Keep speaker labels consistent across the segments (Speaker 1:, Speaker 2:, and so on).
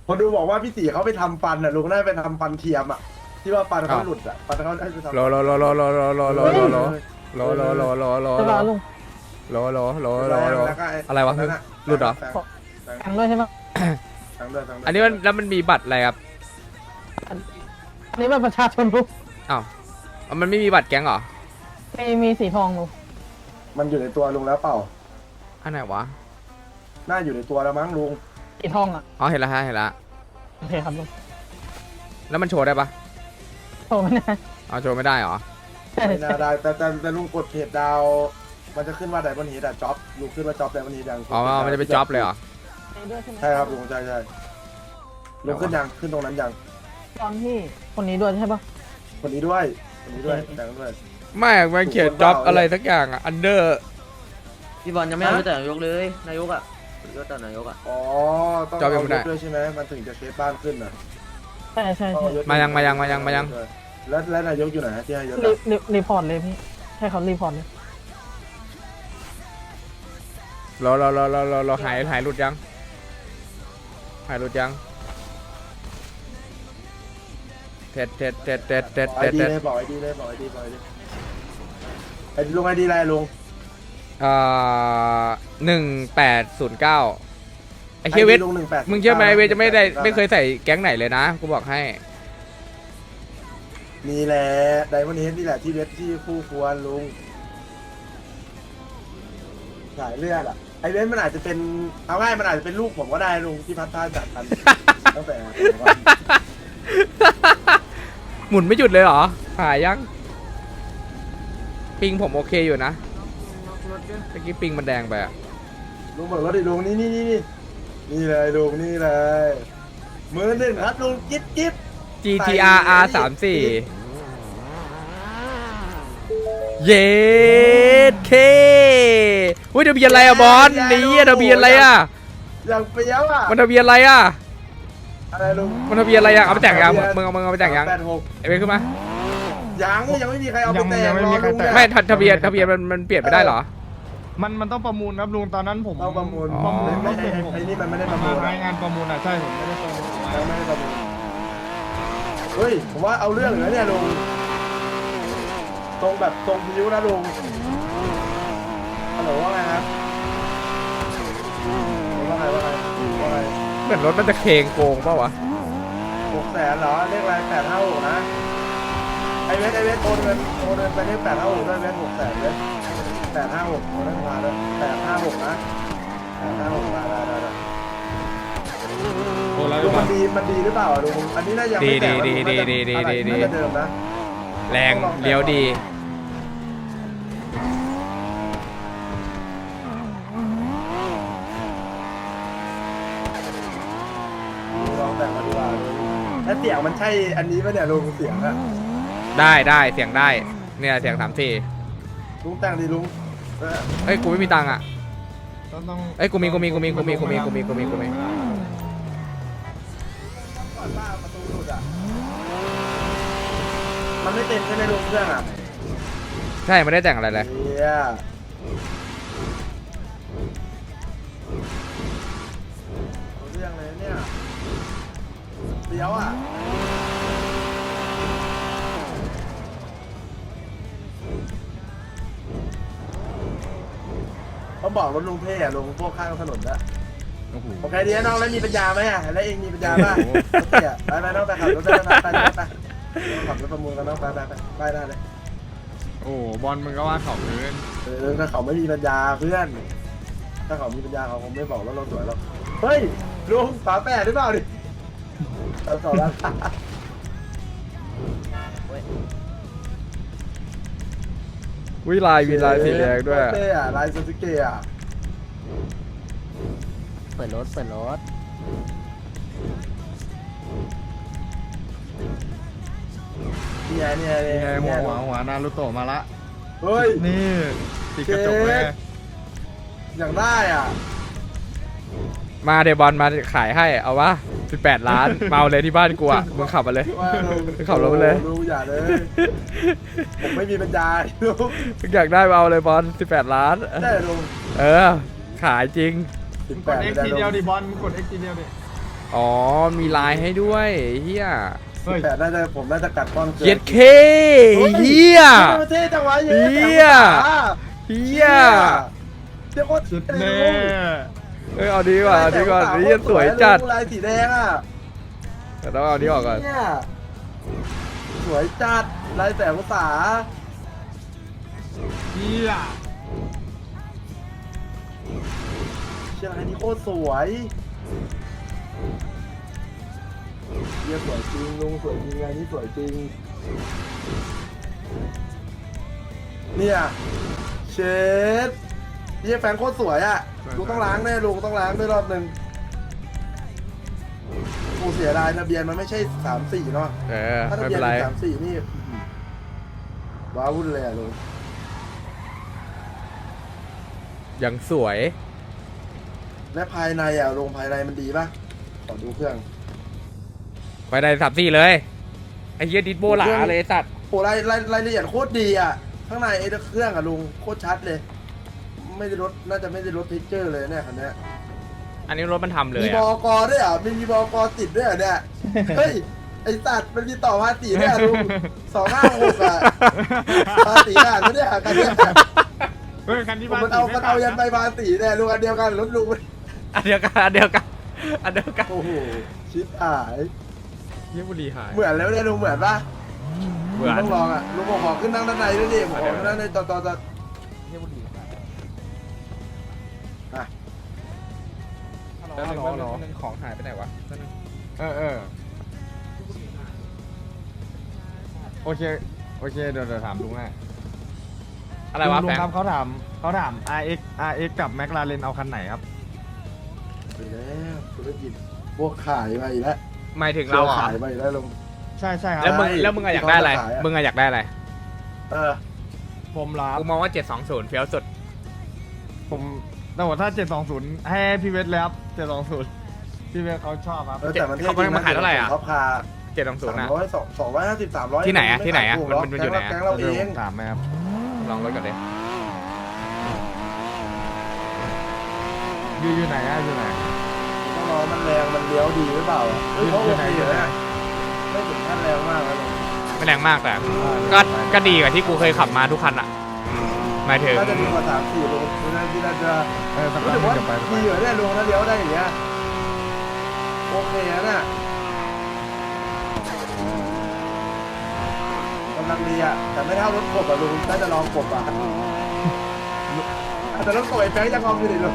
Speaker 1: คนดูบอกว่าพี่ตีเขาไปทำฟันอ่ะลุงน่าจะไปทำฟันเทียมอ่ะที่ว่าฟันเขาหลุดอ่ะฟันเขาได้ไปทำ
Speaker 2: รอรอรอรอรอรอรอรอรอรอรอรอรอรอรอ
Speaker 3: ใช่ป่ะลุง
Speaker 2: รอรอรอรอรออะไรวะหลุดเหรอ
Speaker 3: แข่งด้วยใช่ป่ะ
Speaker 2: อันนี้มันแล้วมันมีบัตรอะไรครับ
Speaker 3: อันนี้มันประชาชนลุง
Speaker 2: อ้าวมันไม่มีบัตรแก๊งเหรอ
Speaker 3: มีสีทองลุง
Speaker 1: มันอยู่ในตัวลุงแล้วเปล่า
Speaker 2: อันไหนวะ
Speaker 1: น่าอยู่ในตัวแล้วมั้งลุง
Speaker 3: สีทองอ่ะ
Speaker 2: อ๋อเห็นแล้วฮะเห็นแล้ว
Speaker 3: โอเคครับลุง
Speaker 2: แล้วมันโชว์ได้ปะ
Speaker 3: โทรไม่ได้
Speaker 2: อ๋อโชว์ไม่ได้เหรอ
Speaker 3: ใช่
Speaker 1: ไม่
Speaker 3: ใช่
Speaker 1: น่าได้แต่ลุงกดเพจดาวมันจะขึ้นว่าไดมอนด์เฮดอะจ็อบลุงขึ้นว่าจ็อบไดมอนด์เฮดยัง
Speaker 2: อ๋อมันจะเป็นจ็อบเลยเหรอ
Speaker 3: ด้วยใช่ไหม
Speaker 1: ใช่ครับลุงใช่ลุงขึ้นยังขึ้นตรงนั้นยัง
Speaker 3: ตอนที่คนนี้ด้วยใช่ป่ะ
Speaker 1: คนนี้ด้วยแต่งด้วย
Speaker 2: ไม่มันเขียนจ็อบอะไรสักอย่างอ่ะอันเดอร์
Speaker 4: พี่บอลยังไม่เอาแต่นายกเลยนายกอ่ะยศแต่นายกอ่ะ
Speaker 1: อ๋อต้องเอายศด้วยใช่ไหมมันถึงจะเคสบ้านขึ้นอ่ะ
Speaker 3: ใช่ใช่
Speaker 1: ต้อง
Speaker 3: ใช่
Speaker 1: เอยศ
Speaker 2: มายัง
Speaker 1: แล้วนายกอยู่ไหนที่ให้ยศ
Speaker 3: รีพอร์ตเลยพี่ให้เขารีพอร์ตเลย
Speaker 2: รอหายหลุดยังหายหลุดยังเท็ด
Speaker 1: ไอดีเลยบอกไอดีเลยไอลุงไอดีอะไรลุง
Speaker 2: 1809ไอ้เฮียเวท
Speaker 1: ลุง18
Speaker 2: มึงเชื่อไหมเวทจะไม่เคยใส่แก๊งไหนเลยนะกูบอกให้
Speaker 1: นี่แหละไดมอนด์เฮดนี่แหละที่เวทที่คู่ควรลุงสายเลือดอ่ะไอเวทมันอาจจะเป็นเอาง่ายมันอาจจะเป็นลูกผมก็ได้ลุงที่พัดท่าจัดกันตั้งแต่
Speaker 2: หมุนไม่หยุดเลยเหรอหายยังปิงผมโอเคอยู่นะเมื่อกี้ปิงมันแดงไปอะ
Speaker 1: ลุงเบิกรถดิลุงนี่เลยลุงนี่เลยมือหนึ่งครับลุงกิ๊บ
Speaker 2: GTR R34 เย็ดเคอุ้ยทะเบียนอะไรอะบอลนี่ทะเบียนอะไรอะ
Speaker 1: อย่างเปรี้ยวอ่ะ
Speaker 2: มันทะเบียนอะไรอะ
Speaker 1: อะไรลุง
Speaker 2: มันทะเบียนอะไรอะเอาไปแต่งยังมึงเอาไปแต่งยัง
Speaker 1: 86
Speaker 2: ไอ้เว้ยขึ้นมา
Speaker 1: ยังไม่มีใครเอาไปแต่ง
Speaker 5: ยังไม่มีใครแต่ง
Speaker 2: ไม่ทะเบียนมันเปลี่ยนไม่ได้เหรอ
Speaker 5: มันต้องประมูลครับลุงตอนนั้นผม
Speaker 1: ต้องประมูล
Speaker 2: อ๋อ
Speaker 1: ไอ้นี่มันไม่ได้ประมูล
Speaker 5: รายงานประมูลอ่ะใช่ผมไม่ได้ประมูล
Speaker 1: ยังไม่ได้ประมูลเฮ้ยผมว่าเอาเรื่องเหรอเนี่ยลุงตรงแบบตรงพิ้วนะลุงฮัลโหลว่าไงครับว่าไง
Speaker 2: เหมือนรถมันจะเคงโกงเปล่าวะ
Speaker 1: 600,000เหรอเลขอะไร856นะไอเวสโอนเงินไปเลข856ด้วยเวส600,000เวส856โอนให้มาด้วย856นะ856ได้
Speaker 5: โอ้แล้ว
Speaker 1: ลุงมันดีหรือเปล่าลุงอันนี้น่าจะไม่แต่น่าจะเดิมนะ
Speaker 2: แรงเลี้ยวดี
Speaker 1: ลองแต่งมาดูว่าแล้วเสียงมันใช่อันนี้ป่ะเนี่ยลุงเสียงอะ
Speaker 2: ได้เสียงได้เนี่ยเสียง34
Speaker 1: ลุงแต่งดิลุง
Speaker 2: เอ้ยกูไม่มีตังค์อ่ะ
Speaker 5: ต้อง
Speaker 2: เอ้ยกูมี
Speaker 1: ก่อนว่าประตูหลุดอะมันไม่เต็มใช่ไหมลุงเครื่องอะ
Speaker 2: ใช่ไม่ได้แต่งอะไรเลย
Speaker 1: เฮียเอาเรื่องเลยเนี่ยเดี๋ยวอะเขาบอกรถลุงเท่อะลุงพวกข้างถนนนะโอเคดีนะน้องแล้วมีปัญญาไหมอะแล้วเองมีปัญญาป่ะโอเคอะไปน้องไปขับรถได้ไปขับรถประมูลกันน้องไปได้เลย
Speaker 5: โอ้บอลมึงก็ว่าเขาเกิน
Speaker 1: ถ้าเขาไม่มีปัญญาเพื่อน ถ้าเขามีปัญญาเขาคงไม่บอกว่าเราสวยหรอกเฮ้ยลุงฝาแปดหรือเปล่าดิต่อแล้ว
Speaker 2: วิลายสีแดงด้วย
Speaker 1: เต้อะลายซูซูเกะอะ
Speaker 4: เปิดรถ
Speaker 1: เนี่ย
Speaker 5: นี่ไงหัวนารูโตะมาละ
Speaker 1: เฮ้ย
Speaker 5: นี่ติดกระจกเลย
Speaker 1: อย่างได้อ่ะ
Speaker 2: มาเดบอลมาขายให้เอาวะ18 ล้านมาเอาเลยที่บ้านกูอ่ะมึงขับมาเลย
Speaker 1: ว่าลุง
Speaker 2: ขับรถไปเลย
Speaker 1: ลุงอย่าเลย ผมไม่มีปัญญาลุง
Speaker 2: มึงอยากได้มาเอาเลยบอล18 ล้าน
Speaker 1: ได้ลุง
Speaker 2: เออขายจริง
Speaker 1: สิบ
Speaker 5: ก
Speaker 1: แป
Speaker 5: ด
Speaker 1: ด
Speaker 5: X ทีเดียวดิบอลมึงกด X ทีเดียวดิ
Speaker 2: อ๋อมีลายให้ด้วยเฮีย
Speaker 5: เฮ้ย
Speaker 1: แต่น่าจะผมน่าจะกัดก้อนเกิน
Speaker 2: เย็ดเคเฮีย
Speaker 1: ประเทศจังหวะ
Speaker 2: เหี้ย เฮีย
Speaker 1: เดี๋ยวโคตร
Speaker 5: สุด
Speaker 1: เร็
Speaker 5: แน่
Speaker 1: ว
Speaker 2: เอาดีกว่าเอาดีกว่าเฮียสวยจัด
Speaker 1: ลายสีแดงอ่ะ
Speaker 2: แต่ต้องเอานี้ออกก่อน
Speaker 1: เนี่ยสวยจัดลายแต่ภาษา
Speaker 5: เฮีย
Speaker 1: เชียงรายนี่โคตรสวยเยี่ยสวยจริงลุงสวยจริงไงนี่สวยจริงเนี่ยเชดเยี่ยแฟนโคตรสวยอ่ะลุงต้องล้างแน่ลุงต้องล้างด้วยรอบหนึ่งกูเสียดายทะเบียนมันไม่ใช่34เนาะ ถ้าทะ
Speaker 2: ไม่
Speaker 1: เบีย
Speaker 2: เป็น นไร
Speaker 1: 34นี่ว้าวุ่นเลยอ่ะลุง
Speaker 2: ยังสวย
Speaker 1: และภายในอ่ะลงภายในมันดีป่ะ ขอดูเครื่อง
Speaker 2: ไปได้34เลยไอ้เฮียดิสโบหลาเลยไอ้สัตว์
Speaker 1: โอ้รายละเอียดโคตรดีอ่ะ ข้างในไอ้เครื่องอ่ะลุงโคตรชัดเลย ไม่ได้ลดน่าจะไม่ได้ลดเทคเจอร์เลยเนี่ยคันเนี้ย
Speaker 2: อันนี้รถมันทำเลย
Speaker 1: มีบ
Speaker 2: อะ
Speaker 1: กด้วยอ่ะมีบกติดด้วยเหรอเนี่ย เฮ้ย ไอสัตว์มันมีต่อภาษีด้วยอ่ะลุง256อ่ะภาษีอ่ะเนี่ยคันเนี้ย
Speaker 5: เฮ้ยคันที่
Speaker 1: ผม
Speaker 5: บ้าน
Speaker 1: มันเอายันไปภาษีเนี่ยลุงอันเดียวกันรถลุง
Speaker 2: อันเดียวกันอันเดียวกันอันเดียวกัน
Speaker 1: โอ้โหชิบหาย
Speaker 2: เฮียบุรีหาย
Speaker 1: เหมือนแล้วเนี่ยลุงเหมือนปะ
Speaker 2: เหมือน
Speaker 1: ต้องลองอ่ะลุงบอกขอขึ้นนั่งด้านในด้วยดิผมขอขึ้นนั่งในตอนอ่ะ
Speaker 2: แล้วนึงของหายไปไหนวะ
Speaker 5: เออโอเคเดี๋ยวถามลุงให้
Speaker 2: อะไรวะ
Speaker 5: ลุ
Speaker 2: แฟ
Speaker 5: ง
Speaker 2: ง
Speaker 5: ครับเขาถาม RX กับ McLaren เอาคันไหนครับ
Speaker 1: ไปแล้วธุรกิจพวกขายไปอีกแล้ว
Speaker 2: หมายถึงเราเหรอ
Speaker 1: ขายไปอีกแล้วลุง
Speaker 5: ใช่ครั
Speaker 2: แล้ว
Speaker 5: บ
Speaker 2: มึงอะอยากได้อะไร
Speaker 1: ที่เขาจะขายอะ
Speaker 2: มึงอะอยากได้อะไร
Speaker 1: เออ
Speaker 5: ผมรับ
Speaker 2: กูมองว่า720เฟี้ยวสุด
Speaker 5: ผมแต่ว่าถ้า 720 ให้พี่เวทเลยครับ720พี่เวทเขาชอบครับ
Speaker 1: แต่มันเท่
Speaker 2: เขามาขายเท่าไหร่อะ
Speaker 1: เขาพา
Speaker 2: 720นะ
Speaker 1: 300 250 300
Speaker 2: ที่ไหนอะที่ไหนอะมันอยู่ไหนอะ
Speaker 1: แก๊งเราเอง
Speaker 5: ถามไหมครับ
Speaker 2: ลองรถก่อนเลย
Speaker 5: อยู่ไหนอะอยู่ไหน
Speaker 1: ต้องรอมันแรงมันเลี้ยวดีหรือเปล่าอะเฮ้ยเขาโอเคอยู่นะไม่ถึงขั้นแรงมากนะลุง
Speaker 2: ไม่แรงมากแต่ก็ดีกว่าที่กูเคยขับมาทุกคันอะหมายถึง
Speaker 1: น่าจะดีกว่า3-4ลุงน่าจะ
Speaker 5: สัก
Speaker 1: รู้
Speaker 5: พัก
Speaker 1: สึกว่า
Speaker 5: จะไป
Speaker 1: ดีอยู่เนี่ยลุงถ้าเลี้ยวได้อย่างเงี้ยโอเคนะน่ะกำลังดีอ่ะแต่ไม่เท่ารถกบอ่ะลุงน่าจะลองกบอ่ะแต่รถกบไอ้แฟงจะงอมอยู่ดิลุง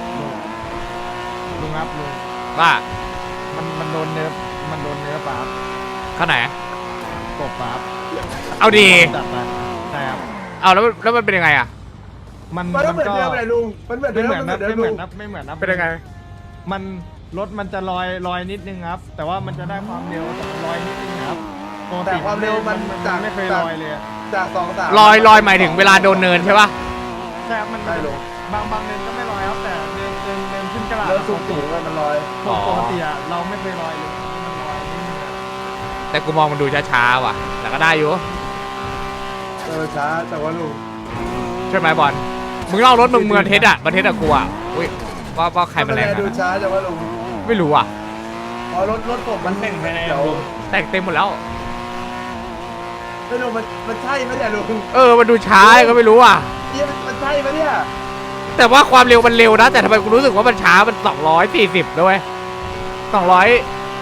Speaker 5: ลุงครับลุง
Speaker 2: ว่า
Speaker 5: มันโดนเนื้อปลาครับ
Speaker 2: ข้างไหน
Speaker 5: กบปลาครับ
Speaker 2: เอาดี
Speaker 5: จัดไปใช่ครับ
Speaker 2: เอาแล้วมันเป็นยังไงอะ
Speaker 5: มัน
Speaker 1: มันก็เหมือน
Speaker 5: ก็
Speaker 1: เดิมเลยลุงมันเหมือนเดิ
Speaker 5: ไม่
Speaker 1: ม
Speaker 5: เหมือน
Speaker 1: มันเหมือนเดิมลุง
Speaker 5: นะไม่เหมือนนะ
Speaker 2: เป็นยังไง
Speaker 5: มันรถมันจะลอยนิดนึงครับ แต่ว่ามันจะได้ความเร็วลอยนิดนึงครับปก
Speaker 1: แต่
Speaker 5: ติ
Speaker 1: ความเร็วมันจาก
Speaker 5: ไม่เคยลอยเลยอะ
Speaker 1: จาก2-3
Speaker 2: ลอยหมายถึงเวลาโดนเนินใช่ป่ะ
Speaker 5: ใช่ครับมัน
Speaker 1: ได้ลุง
Speaker 5: บางเนินก็ไม่ลอยครับแต่เนินขึ้นกระดาษ
Speaker 1: เริ่มสูงๆมันลอย
Speaker 5: ปกติอะเราไม่เคยลอยเลยมันลอยนิดนึงอะ
Speaker 2: แต่กูมองมันดูช้าๆว่ะ แต่ก็ได้อยู่
Speaker 1: ช้าแต่ว่าลุง
Speaker 2: ใช่ไหมบอล มึงเล่ารถมึงเมืองเทสอะประเทศอะกูอะอุ้ยว่าใครมันแรง
Speaker 1: ดู
Speaker 2: นะ
Speaker 1: ช้าแต่ว่าลุง
Speaker 2: ไม่รู้อ่ะ
Speaker 1: พอรถผมมันเดี๋ยว
Speaker 2: แต่งเต็มหมดแล้ว
Speaker 1: ไม่รู้มันใช่ไหมเนี่ยลุง
Speaker 2: มันดูช้าก็ไม่รู้อ่ะ
Speaker 1: เนี่ยมันใช่ไหมเนี่ย
Speaker 2: แต่ว่าความเร็วมันเร็วนะ แต่ทำไมกูรู้สึกว่ามันช้า มัน240ด้วย200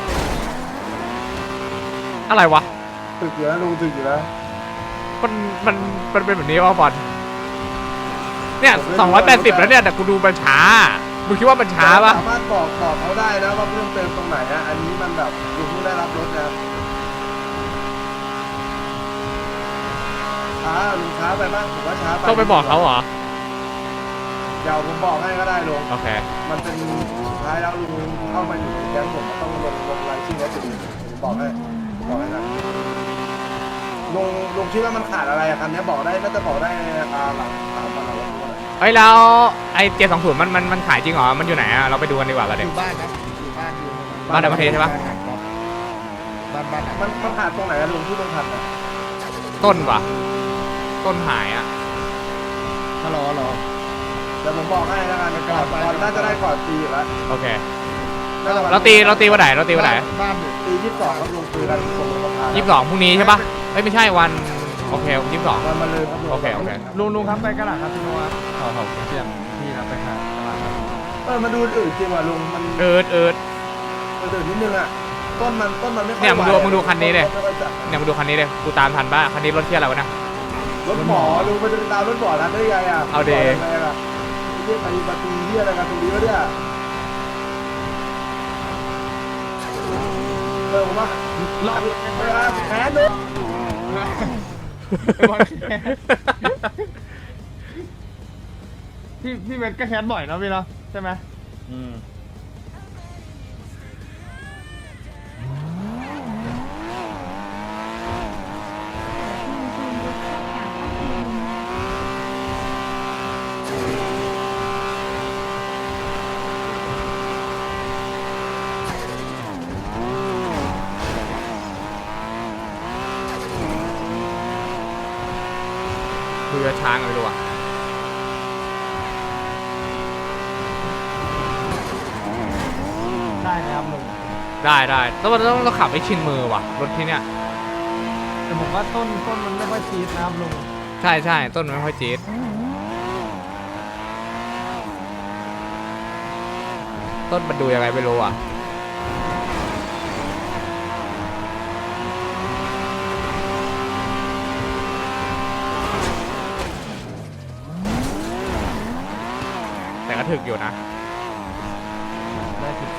Speaker 2: อะไรวะ
Speaker 1: ถึกอยู่นะลุงถึกอยู่นะ
Speaker 2: มันเป็นแบบนี้วะบอลเนี่ย280แล้วเนี่ยแต่กูดูมันช้า มึงคิดว่ามันช้าปะ
Speaker 1: สามารถบอกเขาได้นะว่าเพิ่มเติมตรงไหนอะอันนี้มันแบบลุงเพิ่งได้รับรถนะช้าลุงช้าไปบ้างผมว่าช้าไป
Speaker 2: ต้องไปบอกเขาเหรอ
Speaker 1: เดี๋ยวผมบอกให้ก็ได้ลุง
Speaker 2: โอเค
Speaker 1: มันเป็นสุดท้ายแล้วลุงเข้ามาอยู่ในแก๊งผมต้องลงรายชื่อแล้วจะดีผมบอกให้นะลุงคิดว่ามันขาดอะไรอะคันนี้บอกได้น่าจะบอกได้หลัง3 วันหลังวันนี้
Speaker 2: เฮ้ยแล้วไอ้720มันขายจริงเหรอ มันอยู่ไหนอะเราไปดูกันดีกว่ากัน
Speaker 5: อ
Speaker 2: เด็ก
Speaker 5: ยู่บ้านครับอยู่บ้านอยู่
Speaker 2: บ้านในประเทศใช่ปะ
Speaker 5: บ้าน
Speaker 1: มันขาดตรงไหนอะลุงที่มันขาดอะ
Speaker 2: ต้นวะต้นหายอะ
Speaker 5: ฮัลโหล
Speaker 1: เดี๋ยวผมบอกให้แล้วกันก่อนน่าจะได้ก่อนปีอยู่แล้ว
Speaker 2: โอเค
Speaker 1: น
Speaker 2: เราตีวันไหนเราตีวันไหน
Speaker 5: บ้านอยู่
Speaker 1: ตี22ครับลุงคุยกันตรงประธาน
Speaker 2: 22พรุ่งนี้ใช่ปะเอ้ยไม่ใช่วันโอเค22
Speaker 1: วันมาเลยครับลุง
Speaker 2: โอเคโอเค
Speaker 5: ลุงครับไปกระดาษคาสิโนครับเขาเสียงพี่ครับไปหากระดาษครับ
Speaker 1: มาดูอื่นจริงว่ะลุงมัน
Speaker 2: เอิด
Speaker 1: มันอื่นนิดนึงอ่ะต้นมันไม่ค่อย
Speaker 2: เนี่ยมึงดูคันนี้ดิ
Speaker 1: ไม่ค่อยจัด
Speaker 2: เนี่ยมาดูคันนี้เลยกูตามทันป่ะคันนี้รถเที่ยอะไรวะนะ
Speaker 1: รถหมอลุงมันจะไปตามรถหมอนะได้ยังไงอ่ะ
Speaker 2: เอาดิ
Speaker 1: อะไรอ่ะเรียกไปประตูเรียกอะไรกันตรงนี้วะเนี่ยผมว่า
Speaker 5: รอบ
Speaker 1: แพ้เลย
Speaker 5: พี่เวทก็แคสบ่อยเนาะพี่เนาะใช่ไหม
Speaker 4: อืม
Speaker 2: คุยกับช้างเลยดีกว่า
Speaker 5: ได้ครับลุง
Speaker 2: ได้ต้องขับให้ชินมือว่ะรถที่เนี้ย
Speaker 5: แต่ผมว่าต้นมันไม่ค่อยชีสนะครับลุง
Speaker 2: ใช่ต้นมันไม่ค่อยจี๊ดต้นมันดูยังไงไม่รู้อ่ะแต่ก็ถึกอยู่นะ
Speaker 5: ได้ถึง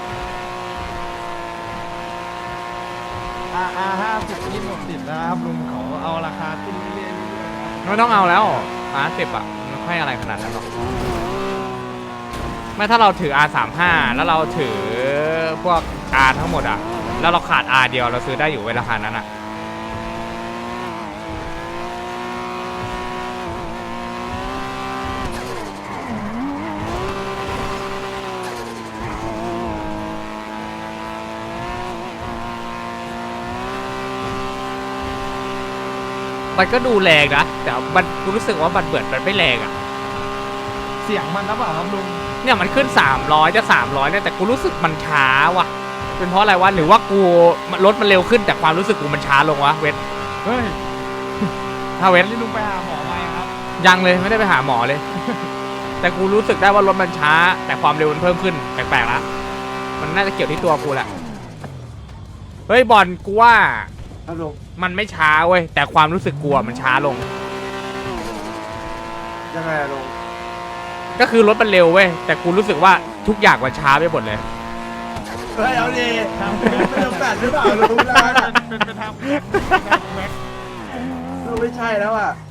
Speaker 5: 50นี่หมดติดแล้วครับลุงเขาเอาราคาขึ้นเรื่อยๆนะครับ
Speaker 2: ไม่ต้องเอาแล้วR10อ่ะมันไม่ค่อยอะไรขนาดนั้นหรอกไม่ถ้าเราถือ R35 แล้วเราถือพวก R ทั้งหมดอ่ะแล้วเราขาด R เดียวเราซื้อได้อยู่เวลาคานั้นอ่ะมันก็ดูแรงนะแต่มันกูรู้สึกว่ามันเบิดมันไม่แรงอ่ะ
Speaker 5: เสียงมันนะเปล่าครับลุง
Speaker 2: เนี่ยมันขึ้น300จะ300เนี่ยแต่กูรู้สึกมันช้าว่ะเป็นเพราะอะไรวะหรือว่ากูรถมันเร็วขึ้นแต่ความรู้สึกกูมันช้าลงวะเวท
Speaker 5: เฮ้ย
Speaker 2: ถ้าเวท
Speaker 5: นี่ลุงไปหาหมอไหมครับ
Speaker 2: ยังเลยไม่ได้ไปหาหมอเลย แต่กูรู้สึกได้ว่ารถมันช้า แต่ความเร็วมันเพิ่มขึ้นแปลกๆละมันน่าจะเกี่ยวที่ตัวกูแหละเฮ้ยบอลกูว่า
Speaker 1: ครับลุง
Speaker 2: มันไม่ช้าเว้ยแต่ความรู้สึกกูอะมันช้าลง
Speaker 1: ยังไงอะลุง
Speaker 2: ก็คือรถมันเร็วเว้ยแต่กูรู้สึกว่าทุกอย่างมันช้าไปหมดเลย
Speaker 1: เฮ้ยเอาดิไม่ต้องแปดหรือเปล่าลุงนะ
Speaker 5: เป็นทาง
Speaker 1: ลุงไม่ใช่แล้วอ่ะ